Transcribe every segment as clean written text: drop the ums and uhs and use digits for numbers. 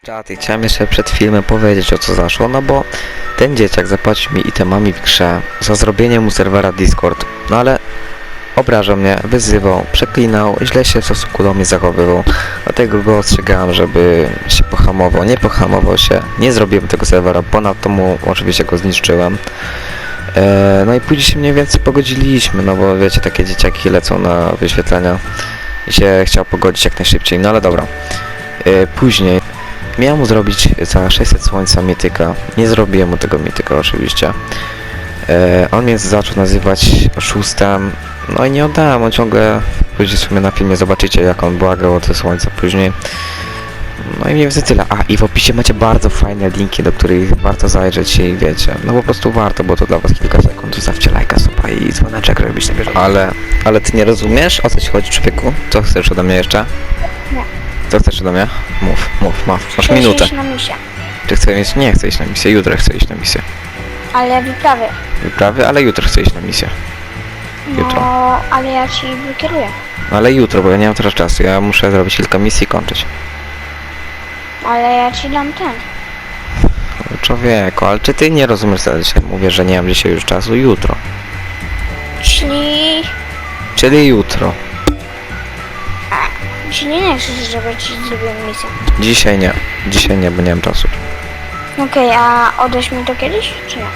Czaty, chciałem jeszcze przed filmem powiedzieć, o co zaszło, no bo ten dzieciak zapłacił mi itemami w grze za zrobienie mu serwera Discord, no ale obrażał mnie, wyzywał, przeklinał, źle się w stosunku do mnie zachowywał, dlatego go ostrzegałem, żeby się pohamował, nie pohamował się, nie zrobiłem tego serwera, ponadto mu oczywiście go zniszczyłem. No i później się mniej więcej pogodziliśmy, no bo wiecie, takie dzieciaki lecą na wyświetlenia i się chciał pogodzić jak najszybciej, no ale dobra. Później miałem mu zrobić za 600 słońca mityka. Nie zrobiłem mu tego mityka oczywiście. On mnie zaczął nazywać oszustem. No i nie oddałem, on ciągle... Później sobie na filmie zobaczycie, jak on błagał o te słońca później. No i mniej więcej tyle. A i w opisie macie bardzo fajne linki, do których warto zajrzeć i wiecie. No po prostu warto, bo to dla was kilka sekund. Zostawcie lajka, suba i dzwoneczek, żeby być na bieżąco. Ale ty nie rozumiesz, o co ci chodzi, człowieku? Co chcesz ode mnie jeszcze? Nie. Co chcesz ode mnie? Mów. Masz Chcę minutę. iść na misję. Czy chcę mieć? Nie chcę iść na misję, jutro chcę iść na misję. Ale wyprawy. Wyprawy, ale jutro chcę iść na misję. Jutro. No, ale ja ci wykieruję. Ale jutro, bo ja nie mam teraz czasu. Ja muszę zrobić kilka misji i kończyć. Ale ja ci dam ten. Człowieku, ale czy ty nie rozumiesz, co ja dzisiaj mówię, że nie mam dzisiaj już czasu? Jutro. Czyli jutro. Czyli nie chcesz, żeby ci zrobiłem misję. Dzisiaj nie, bo nie mam czasu. Okej, a odeś mi to kiedyś, czy nie?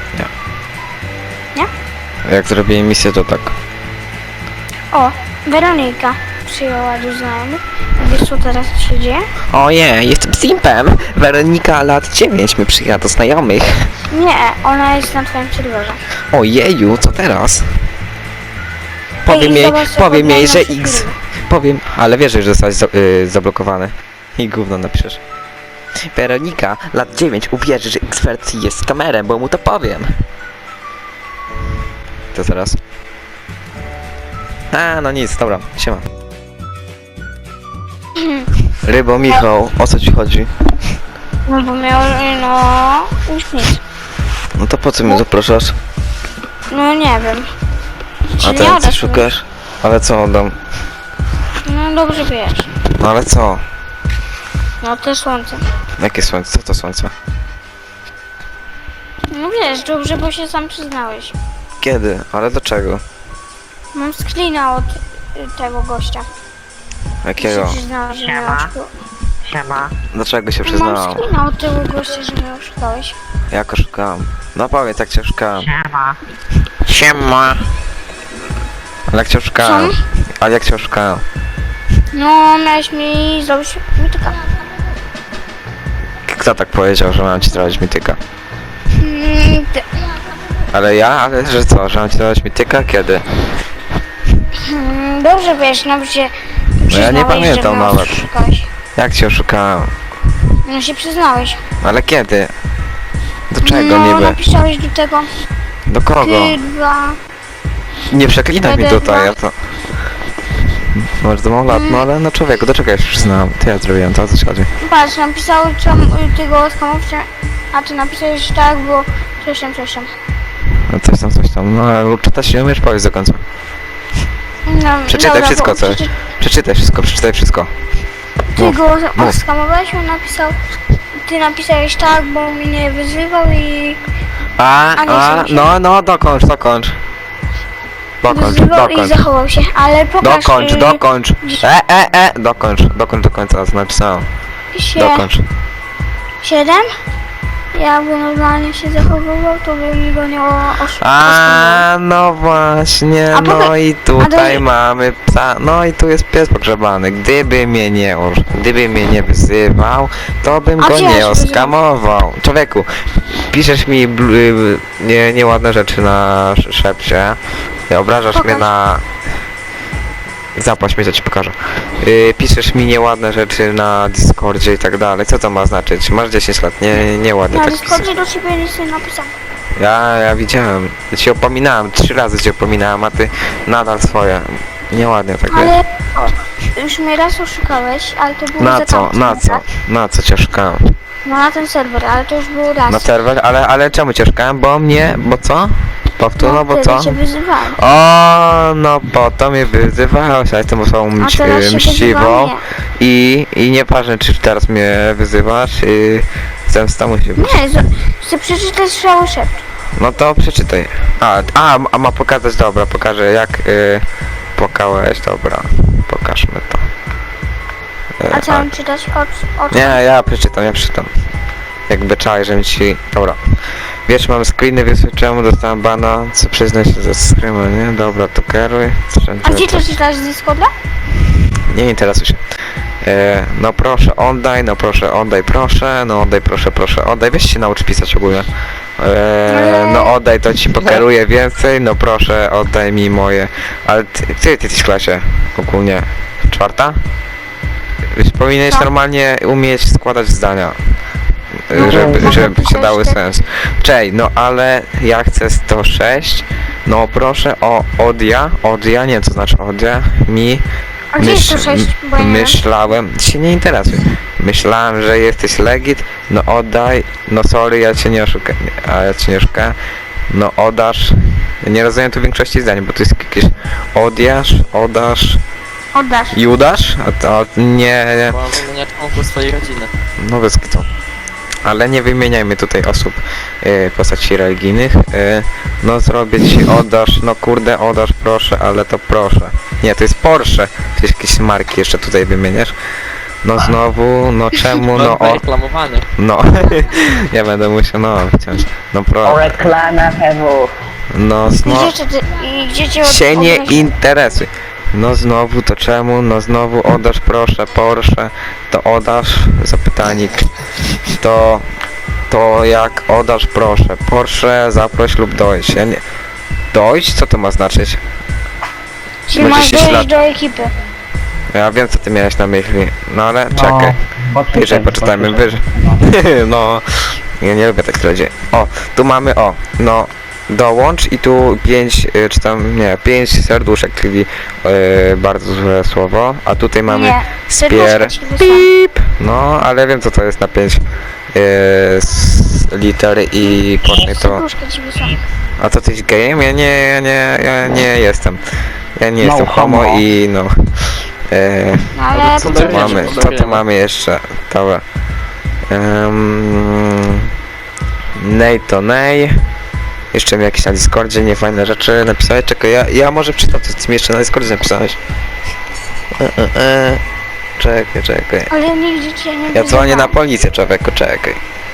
Jak zrobię misję, to tak. O, Weronika przyjęła do znajomych. Wiesz, co teraz się dzieje? Ojej, jestem simpem. Weronika lat 9 mi przyjechała do znajomych. Nie, ona jest na twoim serwerze. Ojeju, co teraz? zobacz, Powiem jej, że nasze X. filmy. Powiem, ale wiesz, że zostałeś zablokowany. I gówno napiszesz. Weronika, lat 9, uwierzy, że X-Vercji jest kamerem, bo mu to powiem. To zaraz. A, no nic, dobra, siema. Rybo, Michał, o co ci chodzi? No bo miał, no, już nic. No to po co mnie zapraszasz? No nie wiem. A Czy nie ten co oddasz mi? szukasz? Ale co oddam? No dobrze wiesz. No ale co? No te słońce. Jakie słońce? Co to słońce? No wiesz, dobrze, bo się sam przyznałeś. Kiedy? Ale dlaczego? Mam screena od tego gościa. Jakiego? Się przyznałeś, że mnie oszukałeś. Siema. Dlaczego się Mam przyznałam? screena od tego gościa, że mnie oszukałeś. Jak oszukałem? No powiedz, jak cię oszukałem. Siema. Siema! Ale jak cię oszukałem? Ale jak cię oszukałem? No, miałeś mi zrobić mityka. Kto tak powiedział, że mam ci zrobić mityka? Ty. Ale ja? Ale że co? Że mam ci zrobić mityka? Kiedy? Dobrze wiesz, nawet się No ja nie przyznałeś, pamiętam że mnie nawet. oszukałeś. Jak cię oszukałem? No się przyznałeś. Ale kiedy? Do czego no, niby? napisałeś do tego Do kogo? K2. Nie przeklinaj mi PD2. tutaj, ja to... Może to mam lat, no ale no człowieku, do czego ja się przyznałem? To ja zrobiłem to, o co ci chodzi? Patrz, napisałeś tego skamowcia, a ty napisałeś tak, bo coś tam. No coś tam, no ale czytać nie umiesz, powiedz do końca. No, Przeczytaj dobra, wszystko, bo co... Przeczytaj wszystko. Ty Mów, go mów. oskamowałeś, on napisał, ty napisałeś tak, bo mnie wyzywał i No, dokończ. wyzywał i zachował się, ale pokaż... Dokończ. Dokończ do końca, co napisałem. Dokończ. 7? Jakby normalnie się zachowywał, to by mi go nie oszukiwał. A, no właśnie, A no potem- i tutaj a mamy psa, no i tu jest pies pogrzebany. Gdyby mnie nie wyzywał, to bym A go gdzie ja nie się wyzywam? oskamował. Człowieku, piszesz mi nieładne rzeczy na szepcie, obrażasz Pokaż. mnie na... Zapłać mi, to ci pokażę. Piszesz mi nieładne rzeczy na Discordzie i tak dalej. Co to ma znaczyć? Masz 10 lat, nieładnie Na tak piszesz. Discordzie do ciebie nic nie napisałem. Ja widziałem. Ja cię opominałem, 3 razy cię opominałem, a ty nadal swoje. Nieładnie tak wiesz. Ale już mnie raz oszukałeś, ale to było za tamten raz. Na co cię szukałem? No na ten serwer, ale to już było raz. Na serwer, ale czemu cię szukałem? Bo co? Powtór, no bo wtedy co? cię wyzywałem. O, no po to mnie wyzywałeś, a jestem osobą A teraz się mściwą wyzywam i nieważne czy teraz mnie wyzywasz, zemsta musi być. Nie, chcę przeczytać cały szept. No to przeczytaj. A ma pokazać, dobra, pokażę jak płakałeś, dobra, pokażmy to. A co mam czytać? O co? Nie, ja przeczytam. Jakby czaj, żebym ci... Dobra. Wiesz, mam screeny, wiesz czemu dostałem bana, co przyznaj się ze screena, nie? Dobra, to kieruj. A gdzie to czytasz z Discorda? Nie interesuj się. No proszę, oddaj, no proszę, oddaj, proszę, no oddaj, proszę, oddaj. Weź się naucz pisać ogólnie. No oddaj, to ci pokieruję więcej, no proszę, oddaj mi moje. Ale ty jesteś w klasie ogólnie? 4? Powinieneś Co? normalnie umieć składać zdania. No, Żeby się dały tak. sens. Czej, no ale ja chcę 106. No proszę o odia, nie co znaczy odia, mi A gdzie jest to 6? Bo ja nie wiem. myślałem, się nie interesuj. Myślałem, że jesteś legit, no oddaj, no sorry, ja cię nie oszukałem, no oddasz. Ja nie rozumiem tu większości zdań, bo to jest jakieś oddasz Oddasz. i udasz? A to nie, Bo mam wymieniać członków swojej rodziny. no bez kitu. Ale nie wymieniajmy tutaj osób, postaci religijnych. No zrobię ci, oddasz, no kurde, oddasz proszę, ale to proszę. Nie, to jest Porsche. To jest jakieś marki jeszcze tutaj wymieniasz. No znowu, no czemu, no o, Reklamowanie. no. Ja będę musiał, no wciąż. No O pro, reklamę PW. no znowu. Gdzie cię Się nie obraziłem? interesuj. No znowu, to czemu? No znowu oddasz proszę, Porsche, to oddasz, zapytanik. To jak oddasz proszę, Porsche zaproś lub dojść. Ja nie... Dojść? Co to ma znaczyć? Czyli Będzie masz się dojść ślad- do ekipy. Ja wiem co ty miałeś na myśli, no ale No, czekaj. bo Wyżej czytaj, poczytajmy, bo czytaj. wyżej. No, ja nie lubię tak ludzi. O, tu mamy, no, dołącz i tu 5, czy tam, nie, 5 serduszek, czyli bardzo złe słowo, a tutaj mamy Nie, spier, serduszko ci wysłałem. pip, no, ale wiem co to jest na 5 liter i później to, Serduszko ci wysłałem. a to ty jesteś gejem? Ja nie jestem. Ja nie No, jestem homo homo. i no. No ale Co Co to tu wiemy, mamy? co Co to tu wiemy. mamy jeszcze? Dobra. Nej to nej. Jeszcze mi jakieś na Discordzie niefajne rzeczy napisałeś. Czekaj, ja może przeczytam, co ty mi jeszcze na Discordzie napisałeś. Czekaj. Ale nigdzie cię nie Ja dzwonię na wyzywałem. policję, człowieku, czekaj.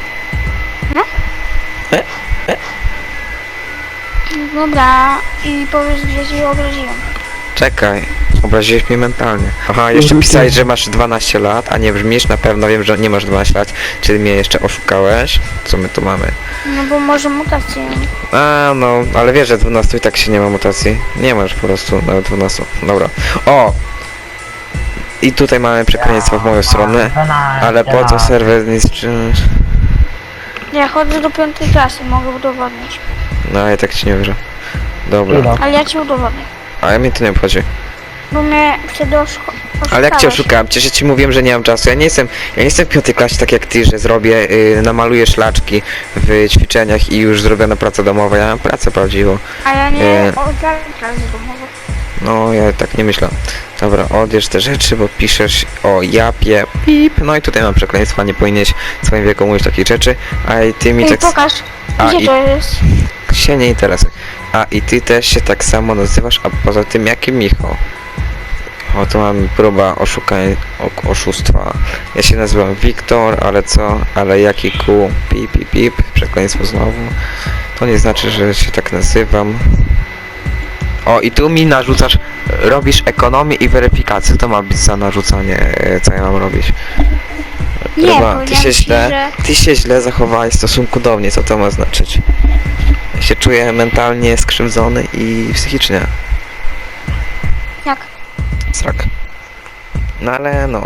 Dobra, i powiedz, gdzie cię obraziłem. Czekaj. Obraziłeś mnie mentalnie. Aha, jeszcze pisałeś, że masz 12 lat, a nie brzmisz, na pewno wiem, że nie masz 12 lat, czyli mnie jeszcze oszukałeś. Co my tu mamy? No bo może mutację. A, no, ale wiesz, że 12 i tak się nie ma mutacji. Nie masz po prostu nawet 12. Dobra. O! I tutaj mamy przekleństwo w moją stronę. Ale po co serwer niszczysz? Ja chodzę do 5. klasy, mogę udowodnić. No, ja tak ci nie wierzę. Dobra. Ale ja ci udowodnię. Ale mnie to nie obchodzi. Bo mnie wtedy oszukałeś. Ale jak cię oszukałem? Przecież ja ci mówiłem, że nie mam czasu. Ja nie jestem w 5. klasie tak jak ty, że zrobię, namaluję szlaczki w ćwiczeniach i już zrobiona praca domowa. Ja mam pracę prawdziwą. A ja nie E. oddałem klasy domowej. No, ja tak nie myślę. Dobra, odbierz te rzeczy, bo piszesz o japie, pip. No i tutaj mam przekleństwa, nie powinieneś w swoim wieku mówić takich rzeczy. A i ty mi Ej, tak pokaż, A, gdzie i- to jest? się nie interesuj. A i ty też się tak samo nazywasz, a poza tym jaki Michał? O, tu mamy próba oszustwa. Ja się nazywam Wiktor, ale co? Ale jaki kół? Pip, przekleństwo znowu. To nie znaczy, że się tak nazywam. O, i tu mi narzucasz, robisz ekonomię i weryfikację. To ma być za narzucanie, co ja mam robić. Nie, Próba, powiedziałem ci, że... ty się źle zachowałeś w stosunku do mnie, co to ma znaczyć? Ja się czuję mentalnie skrzywdzony i psychicznie. Jak? Srak. No ale no.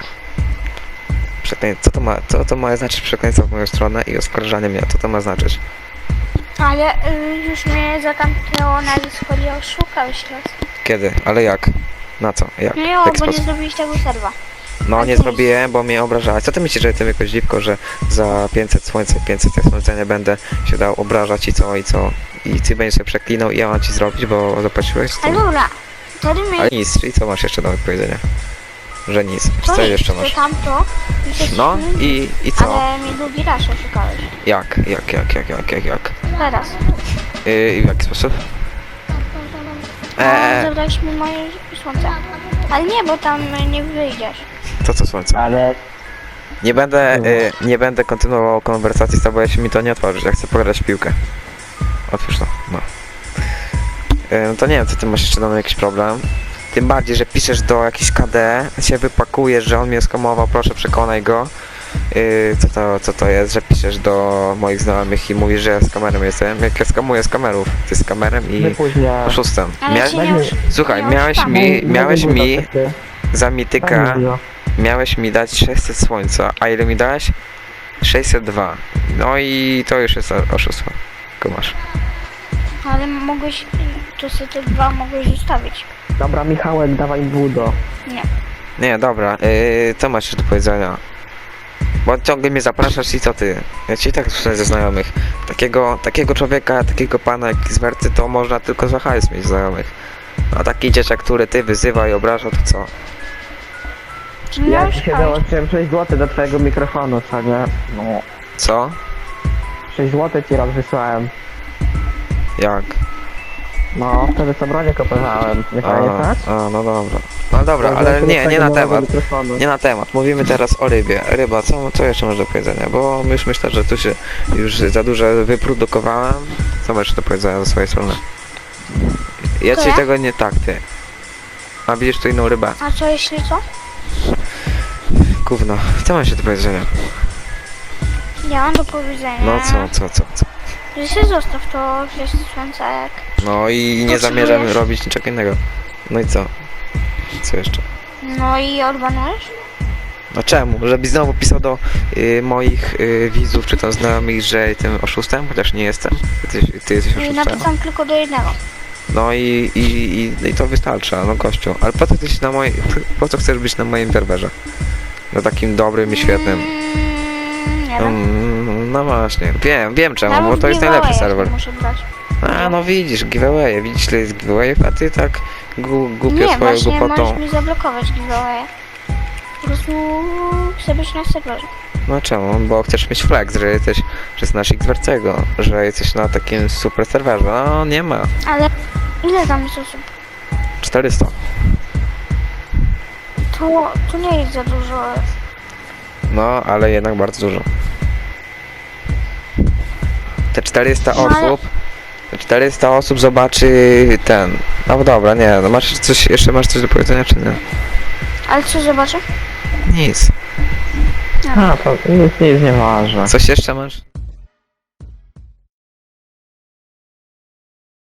Co to ma znaczyć przekleństwo w moją stronę i oskarżanie mnie? Co to ma znaczyć? Ale już mnie za tamtego na Discordzie oszukałeś raz. Kiedy? Ale jak? Na co? Jak? No W jo, jaki bo nie sposób? zrobiłeś tego serwa. No Ale nie to zrobiłem, bo mnie obrażałeś. Co ty myślisz, że jestem jakoś dziwko, że za 500 słońca, 500 słońca nie będę się dał obrażać i co, i co? I ty będziesz się przeklinał i ja mam ci zrobić, bo zapłaciłeś? Co? Ale dobra, wtedy mnie... Ale nic, czyli co masz jeszcze do powiedzenia? Że nic. To Co nic, jeszcze to masz? tamto... No i co? Ale mnie drugi raz oszukałeś. Jak? Teraz. W jaki sposób? Zabrałeś mi moje słońce. Ale nie, bo tam nie wyjdziesz. To co słońce? Ale Nie będę kontynuował konwersacji z tobą, jeśli mi to nie otworzysz. Ja chcę pograć w piłkę. Otwórz to, no. No to nie wiem, co ty masz jeszcze do mnie jakiś problem. Tym bardziej, że piszesz do jakiś KD, się wypakujesz, że on mnie skamował, proszę przekonaj go. Co to jest, że piszesz do moich znajomych i mówisz, że ja z kamerem jestem. Jak ja skamuję z kamerów, ty z kamerem i wypóźnia. oszustem. Ale ci nie już... Słuchaj, nie miałeś mi za Tak, mityka, miałeś mi dać 600 słońca, a ile mi dałeś? 602. No i to już jest oszustwo. Kumasz. Ale mogłeś... To sobie te dwa mogłeś zostawić. Dobra, Michałek, dawaj budo. Nie. Nie, dobra, co masz jeszcze do powiedzenia? Bo ciągle mnie zapraszasz i co ty? Ja ci i tak słyszę ze znajomych. Takiego człowieka, takiego pana jak z Werty, to można tylko za hajs mieć znajomych. A taki dzieciak, który ty wyzywa i obraża, to co? Czy nie Ja już ci się dołączyłem 6 zł do twojego mikrofonu, co nie? No. Co? 6 zł ci raz wysłałem. Jak? No, wtedy co bronię kupowałem. Nie pamiętasz? No dobra. No dobra, ale nie na temat. Nie na temat. Mówimy teraz o rybie. Ryba, co jeszcze masz do powiedzenia? Bo już myślę, że tu się już za dużo wyprodukowałem. Co masz jeszcze do powiedzenia ze swojej strony? Ja To ci ja? tego nie tak, ty. A widzisz tu inną rybę. A co jeśli co? Gówno. Co masz jeszcze do powiedzenia? Ja mam do powiedzenia. No co? Że się zostaw to, że jest słońce jak... No i nie Potrzebujesz- zamierzam robić niczego innego. No i co? Co jeszcze? No i odbanujesz? No czemu? Żebyś znowu pisał do moich widzów czy tam znajomych, że jestem oszustem, chociaż nie jestem. Ty jesteś I oszustem. napisam tylko do jednego. No i to wystarcza, no gościu. Ale po co chcesz na po co chcesz być na moim serwerze? No takim dobrym i świetnym. Nie wiem. No właśnie, wiem czemu, Nawet bo to jest najlepszy giveaway serwer. muszę brać. A no widzisz, giveaway, widzisz ile jest giveawayów, a ty tak głupio Nie, swoją właśnie głupotą. możesz mi zablokować giveaway. Po prostu chcę być na serwerze. No czemu? Bo chcesz mieć flex, że jesteś, że jest nasz Xwercego, że jesteś na takim super serwerze. No nie ma. Ale ile tam jest osób? 400. To nie jest za dużo. No, ale jednak bardzo dużo. Te 400 No, ale- osób, te 400 osób zobaczy ten. No dobra, nie, no masz coś, jeszcze masz coś do powiedzenia, czy nie? Ale co zobaczę? Nic. A, to nic nie jest nieważne. Coś jeszcze masz?